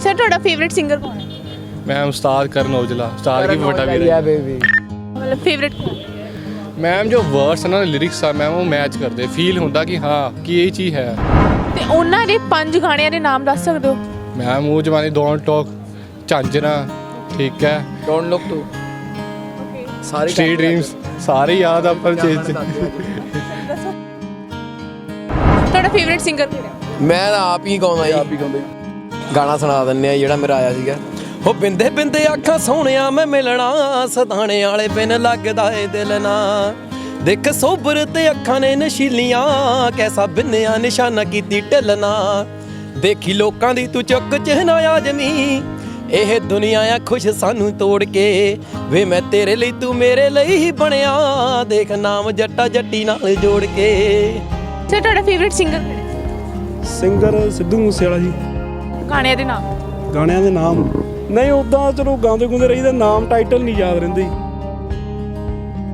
Sir ਤੁਹਾਡਾ favourite singer ਕੌਣ ਹੈ? मैम उस्ताद करण औजला, उस्ताद की बड़ा वीर है। ਮਤਲਬ ਫੇਵਰਿਟ ਕੌਣ? मैम जो वर्ड्स है ना लिरिक्स आ मैम वो मैच करते फील होता कि हाँ कि ये चीज़ है। ਤੇ ਉਹਨਾਂ ਦੇ 5 ਗਾਣਿਆਂ ਦੇ ਨਾਮ ਦੱਸ ਸਕਦੇ ਹੋ? मैम वो जमाने डोंट टॉक, झांझना, ठीक है, डोंट लुक टू सारी स्ट्रीट ड्रीम्स सारे याद अपन चीज। ਤੁਹਾਡਾ ਫੇਵਰਿਟ ਸਿੰਗਰ ਕਿਹੜਾ? ਮੈਂ ਤਾਂ ਆਪ ਹੀ ਗਾਉਂਦਾ ਜੀ ਗਾਣਾ ਸੁਣਾ ਦਿੰਨੇ ਆ ਜਿਹੜਾ ਮੇਰਾ ਆਇਆ ਸੀਗਾ ਹੋ ਬਿੰਦੇ ਬਿੰਦੇ ਅੱਖਾਂ ਸੋਹਣਿਆ ਮੈਂ ਮਿਲਣਾ ਸਦਾਣੇ ਵਾਲੇ ਬਿਨ ਲੱਗਦਾ ਏ ਦਿਲ ਨਾ ਦੇਖ ਸੋਬਰ ਤੇ ਅੱਖਾਂ ਨੇ ਨਸ਼ੀਲੀਆਂ ਕੈਸਾ ਬਿੰਨਿਆ ਨਿਸ਼ਾਨਾ ਕੀਤੀ ਢਿੱਲਣਾ ਦੇਖੀ ਲੋਕਾਂ ਦੀ ਤੂੰ ਚੁੱਕ ਚਿਹਨਾ ਆਜਮੀ ਇਹ ਦੁਨੀਆ ਆ ਖੁਸ਼ ਸਾਨੂੰ ਤੋੜ ਕੇ ਵੇ ਮੈਂ ਤੇਰੇ ਲਈ ਤੂੰ ਮੇਰੇ ਲਈ ਹੀ ਬਣਿਆ ਦੇਖ ਨਾਮ ਜੱਟਾ ਜੱਟੀ ਨਾਲ ਜੋੜ ਕੇ। ਸਰ ਤੁਹਾਡਾ ਫੇਵਰਿਟ ਸਿੰਗਰ ਕਿਹੜਾ? ਸਿੰਗਰ ਸਿੱਧੂ ਮੂਸੇਵਾਲਾ ਜੀ। ਗਾਣਿਆਂ ਦੇ ਨਾਮ? ਗਾਣਿਆਂ ਦੇ ਨਾਮ ਨਹੀਂ ਉੱਦਾਂ ਚਲੋ ਗਾਉਂਦੇ ਗੁੰਦੇ ਰਹੀਦਾ ਨਾਮ ਟਾਈਟਲ ਨਹੀਂ ਯਾਦ ਰਹਿੰਦੇ।